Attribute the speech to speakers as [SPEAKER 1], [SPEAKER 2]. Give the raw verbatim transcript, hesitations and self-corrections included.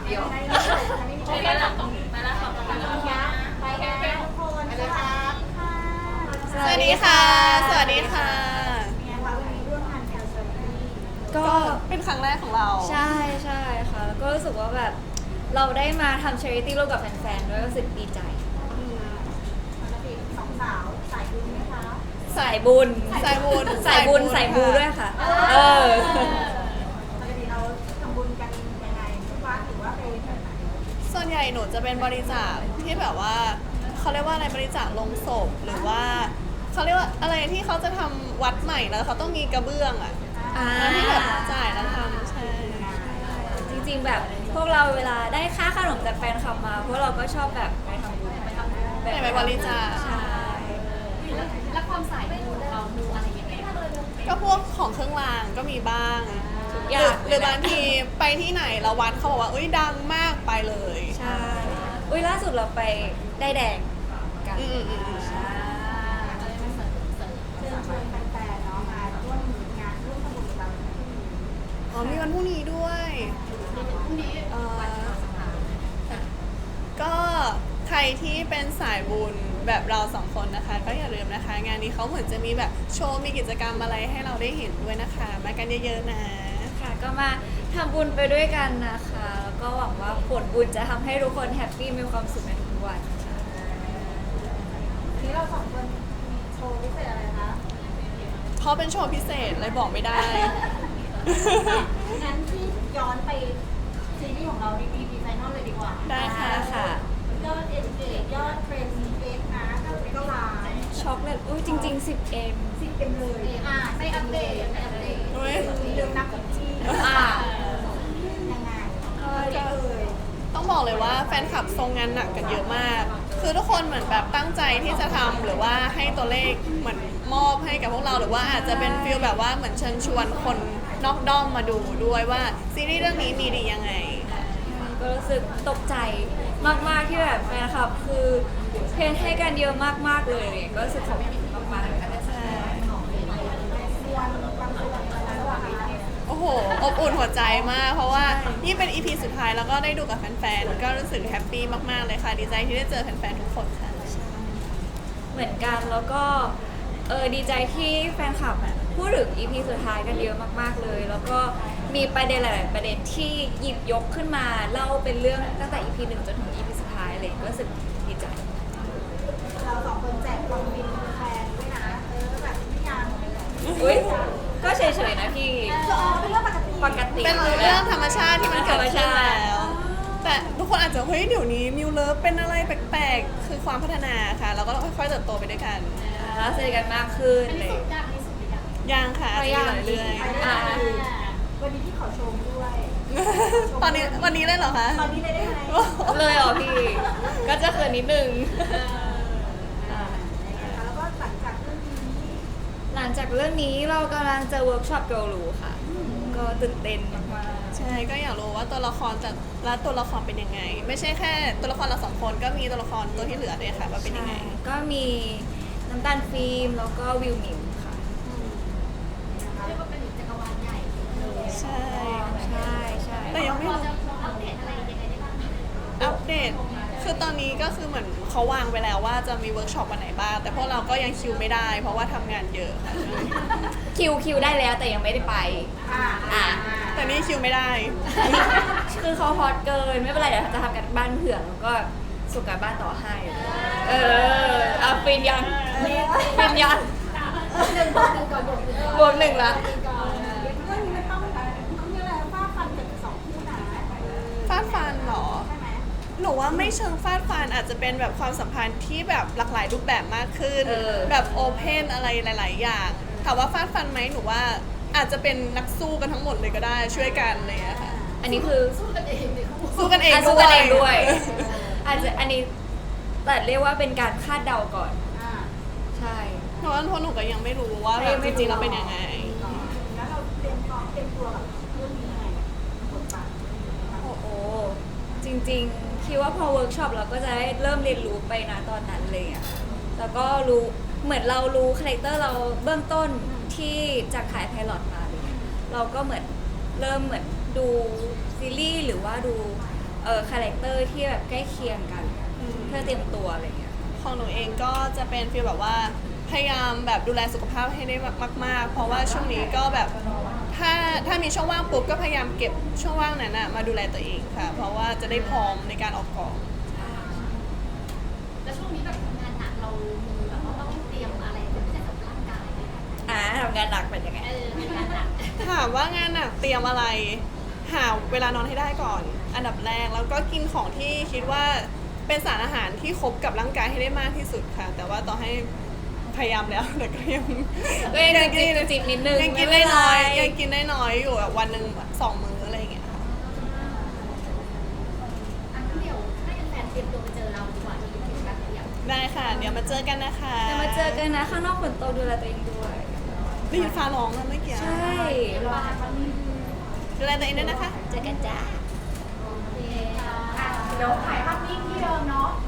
[SPEAKER 1] เดียว
[SPEAKER 2] ไม่ได้ไม่ได้หลังตรงนี้มาแล้วขอบคุณนะคะไปกันทุกคนไปเลยครับ
[SPEAKER 3] สวัสดีค่ะ สวัสดีค่ะ
[SPEAKER 2] เนี่ยค่ะวันนี้ร่วมงานแคลเซอรี่
[SPEAKER 3] ก็เป็นครั้งแรกของเรา
[SPEAKER 1] ใช่ใช่ค่ะแล้วก็รู้สึกว่าแบบเราได้มาทำ charity ร่วมกับแฟนๆด้วยก็รู้สึกดีใจ
[SPEAKER 2] ปกติสองสาวสายบุญไหมคะ
[SPEAKER 1] สายบุญ
[SPEAKER 3] สายบุญ
[SPEAKER 1] สายบุญสายบูด้วยค่ะ เออ
[SPEAKER 2] ปกติเราทำบุญกันยังไงทุกวัดหรือว่าไปแบบไหน
[SPEAKER 3] ส่วนใหญ่หนูจะเป็นบริจาคที่แบบว่าเขาเรียกว่าอะไรบริจาคลงศพหรือว่าเขาเรียกว่าอะไรที่เขาจะทำวัดใหม่แล้วเขาต้องมีกระเบื้องอ่ะ
[SPEAKER 1] อ่า
[SPEAKER 3] แล้วที่แบบจ่ายแล้วทำใช่
[SPEAKER 1] จริงๆแบบพวกเราเวลาได้ค่าขนมจากแฟนคลับมา พวกเราก็ชอบแบบไปทำบุญไปทำบุญ
[SPEAKER 3] ไปไปบริจาค
[SPEAKER 1] ใช่
[SPEAKER 2] แล้วความสายบุญเราดูอะไรยังไง
[SPEAKER 3] ก็พวกของเครื่องรางก็มีบ้าง
[SPEAKER 1] ทุก
[SPEAKER 3] ห
[SPEAKER 1] อย่า
[SPEAKER 3] รือง หรือบางทีไปที่ไหนแล้ววัดเขาบอกว่าอุ้ยดังมากไปเลย
[SPEAKER 1] ใช่ อุ้ยล่าสุดเราไปได้แดงกัน
[SPEAKER 3] อืมอืมอืม
[SPEAKER 1] ใช่
[SPEAKER 2] เชิญชวนแฟนๆเนาะมาร่วมงานร่วมทำบุญกับเรา
[SPEAKER 3] อ๋อมีวันพรุ่งนี้ด้วยเอ่อก็ใครที่เป็นสายบุญแบบเราสองคนนะคะ ก็อย่าลืมนะคะ งานนี้เขาเหมือนจะมีแบบโชว์มีกิจกรรมอะไรให้เราได้เห็นด้วยนะคะ มากันเยอะๆนะ
[SPEAKER 1] ค่ะก็มาทำบุญไปด้วยกันนะคะ แล้วก็หวังว่าผลบุญจะทำให้ทุกคนแฮปปี้มีความสุขในทุกวันค่ะ
[SPEAKER 2] นี้เราสองคนมีโชว์พิเศษอะไรคะ
[SPEAKER 3] เพราะเป็นโชว์พิเศษเลยบอกไม่ได้
[SPEAKER 2] งั้นที่ย้อนไปซีรีส์ของเราดีดีดีไฟนอลเลยดีกว่า
[SPEAKER 3] ได้ค่ะ
[SPEAKER 1] ค่ะ
[SPEAKER 2] ยอดเอ็นเกจยอดเทรนด์เอ็กนะก็ก็ล้าน
[SPEAKER 1] ช็อกเลยอุ้ยจริงๆ สิบ เอ็ม
[SPEAKER 2] สิบเอ็มเลยอ่าไม่อัปเดตไม่อัปเดต
[SPEAKER 3] เฮ้ย
[SPEAKER 2] ลืมนับอีกที
[SPEAKER 1] อ่า
[SPEAKER 2] ยังไง
[SPEAKER 1] ก็
[SPEAKER 2] ก็เลย
[SPEAKER 3] ต้องบอกเลยว่าแฟนคลับทรงงานหนักกันเยอะมาก คือทุกคนเหมือนแบบตั้งใจที่จะทำหรือว่าให้ตัวเลขเหมือนมอบให้กับพวกเราหรือว่าอาจจะเป็นฟีลแบบว่าเหมือนเชิญชวนคนนอกด้อมมาดูด้วยว่าซีรีส์เรื่องนี้มีดียังไง
[SPEAKER 1] ก็รู้สึกตกใจมากๆที่แบบแฟนคลับคือเพนให้กันเยอะมากๆเลยเนี่ยก็รู้สึกขอบคุณมากๆเลยค่ะ
[SPEAKER 3] ใช่
[SPEAKER 2] ส่วนบางส่วนอะไรระหว่างนี้
[SPEAKER 3] โอ้โห อบอุ่นหัวใจมาก เพราะว่านี่เป็น อี พี สุดท้ายแล้วก็ได้ดูกับแฟนๆ ก็รู้สึกแฮปปี้มากๆ เลยค่ะ ดีใจที่ได้เจอแฟนๆ ทุกคนค่ะ
[SPEAKER 1] เหมือนกันแล้วก็เออดีใจที่แฟนคลับอะพูดถึง อี พี สุดท้ายกันเยอะมากๆเลย แล้วก็มีประเด็นหลายๆประเด็นที่หยิบยกขึ้นมาเล่าเป็นเรื่องตั้งแต่ อี พี หนึ่งจนถึง อี พี สุดท้ายเลยก็รู้สึกดีใจ
[SPEAKER 2] เราสองคนแจกความบินแฟนด้วยนะเออแบบไม่ยัง
[SPEAKER 1] อุ้ยก็เฉยๆนะพี่
[SPEAKER 2] เออเป็นเรื่องปกติ
[SPEAKER 1] ปกติ
[SPEAKER 3] เป็นเรื่องธรรมชาติที่มันเกิดขึ้น
[SPEAKER 1] ธรรมชาติ
[SPEAKER 3] แล้ว แต่ทุกคนอาจจะเฮ้ยเดี๋ยวนี้มิวเลิฟเป็นอะไรแปลกๆ คือความพัฒนาค่ะ แล้วก็ต้องค่อยๆ เติบโตไปด้วยกัน
[SPEAKER 1] แล้วสนิทกันมากขึ้นเลย
[SPEAKER 2] ยากที่สุดเลยอะ
[SPEAKER 3] ยังค่ะ
[SPEAKER 1] ก็ยัง
[SPEAKER 3] เรื่อย
[SPEAKER 2] ไปได้ไหมวันนี้พี่ขอชมด้วย
[SPEAKER 3] ๆ ตอนนี้วันนี้เลยเหรอคะ
[SPEAKER 2] ตอนนี้เลยได้ไหม
[SPEAKER 1] เลยเหรอพี่ ก็จะเขินนิดนึง
[SPEAKER 2] แล้วก็หลังจากเรื่องนี้
[SPEAKER 1] หลังจากเรื่องนี้เรากำลังจะเวิร์กช็อปเกาหลูค่ะ ก็ตื่นเต้นมาก
[SPEAKER 3] ใช่ก็อยากรู้ว่าตัวละครแต่ละตัวละครเป็นยังไง ไม่ใช่แค่ตัวละครเราสองคนก็มีตัวละครตัวที่เหลือด้วยค่ะว่า
[SPEAKER 1] ๆ
[SPEAKER 3] เป็นยังไง
[SPEAKER 1] ใช่ก็มีน้ำตาลฟิล์มแล้วก็วิวหมิวค่ะ
[SPEAKER 2] เรียกว่าเป็นจักรวาลใหญ่เลย
[SPEAKER 3] ใช่
[SPEAKER 1] ใช่ใช่
[SPEAKER 3] แต่ยังไม่รู้
[SPEAKER 2] จะอัปเดตอะไรยังไงได้บ้าง
[SPEAKER 3] อัปเดต คือตอนนี้ก็คือเหมือนเขาวางไปแล้วว่าจะมีเวิร์กช็อปวันไหนบ้าง แต่พวกเราก็ยังคิวไม่ได้ เพราะว่าทำงานเยอะค่ะ
[SPEAKER 1] คิวคิวได้แล้วแต่ยังไม่ได้ไป
[SPEAKER 2] อ่า
[SPEAKER 1] อ่ะ
[SPEAKER 3] แต่นี่คิวไม่ได้
[SPEAKER 1] คือเขาฮอตเกินไม่เป็นไรเดี๋ยวจะทำกันบ้านเผื่อแล้วก็ส่งการบ้านต่อให้ เออเอาฟินยังฟินยัง
[SPEAKER 2] หนึ่งบวกหนึ่งก่อนบวกหนึ่งก่อน
[SPEAKER 1] บวกหนึ่งละ
[SPEAKER 2] ก่อนเรื่องนี้มันต้องต้องมีอะไรฟาดฟันกันสองคู่นะ
[SPEAKER 3] ฟาดฟันเหรอ
[SPEAKER 2] ใช่ไหม
[SPEAKER 3] หนูว่าไม่เชิงฟาดฟันอาจจะเป็นแบบความสัมพันธ์ที่แบบหลากหลายรูปแบบมากขึ้น
[SPEAKER 1] เออ
[SPEAKER 3] แบบโอเพนอะไรหลาย ๆ อย่าง ถามว่าฟาดฟันไหมหนูว่าอาจจะเป็นนักสู้กันทั้งหมดเลยก็ได้ช่วยกันอะไรอย่างเลยค่ะ
[SPEAKER 1] อันนี้คือ
[SPEAKER 2] สู้กันเองเลยเขาบอก
[SPEAKER 3] สู้กันเอง
[SPEAKER 1] อ่ะ
[SPEAKER 3] ด้
[SPEAKER 1] สู้
[SPEAKER 3] วย
[SPEAKER 1] กันเองด้วย อาจจะอันนี้แต่เรียกว่าเป็นการคาดเดาก่อน
[SPEAKER 2] อ่า
[SPEAKER 1] ใช่
[SPEAKER 3] เพราะว่าพวกหนูก็ยังไม่รู้ว่าแบบ
[SPEAKER 1] ไม่
[SPEAKER 3] จ
[SPEAKER 1] รู้
[SPEAKER 3] ริงๆแล้วเป็นยังไง
[SPEAKER 2] แล้วเราเตรียมพร้อมเตรียมตัวกับเรื่องนี้ยังไงบทบาท
[SPEAKER 1] โอ้โหจริงๆคิดว่าพอเวิร์กช็อปเราก็จะได้เริ่มเรียนรู้ไปนะตอนนั้นเลยอ่ะแล้วก็รู้เหมือนเรารู้คาแรคเตอร์เราเบื้องต้นที่จากขายไพลอตมาเลยเราก็เหมือนเริ่มเหมือนดูซีรีส์หรือว่าดูเออคาแรคเตอร์ที่แบบใกล้เคียงกัน
[SPEAKER 3] อืม
[SPEAKER 1] เพื่อเตรียมตัวอะไรเงี้ย
[SPEAKER 3] ของหนูเองก็จะเป็นฟีลแบบว่าพยายามแบบดูแลสุขภาพให้ได้มากๆ เพราะว่าช่วงนี้ก็แบบถ้าถ้ามีช่องว่างปุ๊บก็พยายามเก็บช่องว่างนั้นนะมาดูแลตัวเองค่ะ เพราะว่าจะได้พร้อมในการออกกอง
[SPEAKER 2] แล้วช่วงนี้แบบทำงานหนักเรามีแบบว่าต้องเตรียมอะไรเป็นพิเศษสำหรับร่างกายไหมคะ
[SPEAKER 1] อ่าทำงานหนักเป็นยังไง
[SPEAKER 2] เออทำงานหนัก
[SPEAKER 3] ถามว่างานหนักเตรียมอะไร หาเวลานอนให้ได้ก่อน อันดับแรกแล้วก็กินของที่คิดว่าเป็นสารอาหารที่ครบกับร่างกายให้ได้มากที่สุดค่ะ แต่ว่าต่อให้พยายามแล้วแต่ก็ยัง
[SPEAKER 1] ก็ยังจิบจิบจิบนิดนึง
[SPEAKER 3] ยังกิน
[SPEAKER 1] ไม่
[SPEAKER 3] ได้
[SPEAKER 1] เป็นไร
[SPEAKER 3] น้อยยังกินได้น้อยอยู่แบบวันหนึ่งสองมื้ออะไรอย่างเงี้ยค่ะ
[SPEAKER 2] อันเดียวให้แฟนๆเตรียมตัวไปเจอเราดีกว่าที่ยูทูบกันเดียว
[SPEAKER 3] ได้ค่ะ เดี๋ยวมาเจอกันนะคะ
[SPEAKER 1] จะมาเจอกันนะข้างนอกฝนตกดูแลตัวเองด้วย
[SPEAKER 3] ได้ยินฟ้าร้องแล้วเมื่อกี้
[SPEAKER 1] ใช่รอ
[SPEAKER 3] ดูแลตัวเองด้วยนะคะ
[SPEAKER 1] เจอกันจ้า
[SPEAKER 2] โอเคค่ะเดี๋ยวถ่ายภาพนิ่งที่เดิมเนาะ